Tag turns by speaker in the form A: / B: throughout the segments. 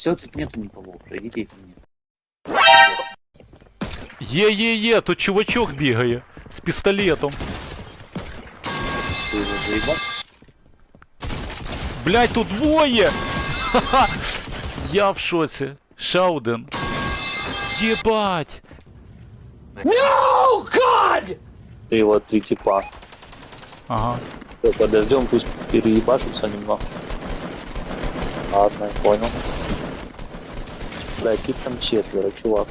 A: Все, тут нету никого уже, идите ко мне.
B: Є, тут чувачок бігає з пістолетом.
A: Ты его заебал?
B: Блять, тут двоє! Ха-ха! Я в шоці. Ще один. Єбать!
C: No, God!
A: Ты его 3 типа.
B: Ага.
A: Всё, подождем, пусть переебашутся немного. Ладно, я понял. Блядь, их там 4, чувак.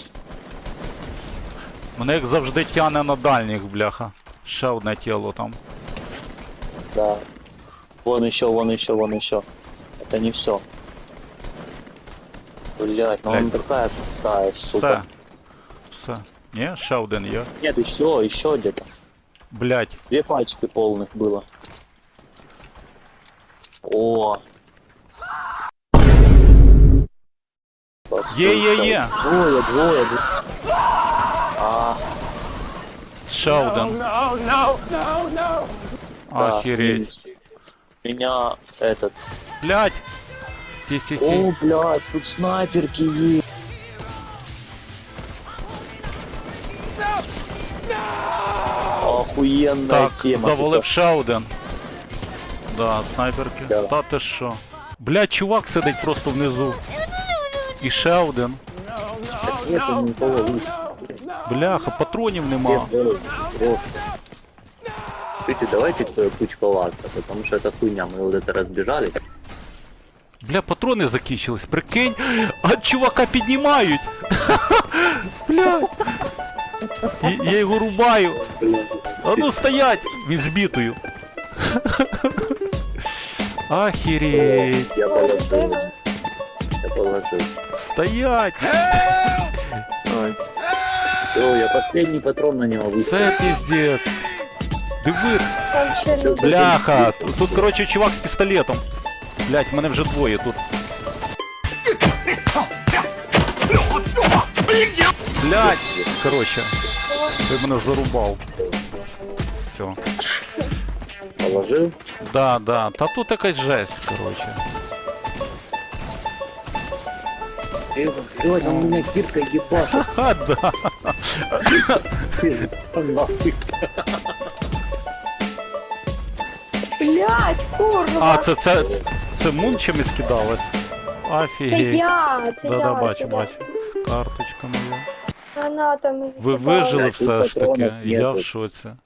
B: Мене як завжди тяне на дальніх, бляха. Ще одне тіло там.
A: Да. Вон еще, вон еще, вон еще. Это не все. Блять, ну он
B: Блядь.
A: такая косая,
B: Все.
A: сука.
B: Все. Ні, ще один є.
A: Нет, еще где-то.
B: Блять.
A: 2 пачки полных было. О.
B: Є.
A: Двое. А,
B: Ще один.
C: No, no, no, no!
A: да,
B: Охереть.
A: Меня этот...
B: Блять. Стій.
A: О, блядь, тут снайперки есть. Охуенная
B: Так,
A: тема.
B: завалив ще один. Да, снайперки.
A: Да.
B: Та ти що? Блять, чувак сидить просто внизу. І ще один.
A: Нету никого.
B: Бляха, патронів нема.
A: Слушайте, давайте кучковаться, потому что это хуйня, мы вот это разбежались.
B: Бля, патрони закінчились, прикинь. А чувака піднімають. Бля. Я його рубаю. А ну стоять! Він збитою. Охереть.
A: Я положил.
B: Стоять. Ой.
A: О, я последний патрон на него выставил.
B: Це піздець. Диви.
D: Там ще люди.
B: Бляха. Тут, короче, чувак з пістолетом. Блять, мене вже двоє тут. Блять. Короче. Ти мене зарубав. Все.
A: Положил.
B: Да. Та тут якась жесть, короче.
A: Блядь, он меня киркой ебашит.
B: А, да.
A: Нахуй.
D: Блять, курва!
B: А, це мун чимось кидалось?
D: Це
B: Офігеть.
D: це
B: Да,
D: я,
B: бачу.
D: це
B: Карточка моя.
D: гранатами
B: Ви вижили
A: Блядь, тут
B: все ж таки,
A: патронів
B: я
A: нету.
B: в шоці.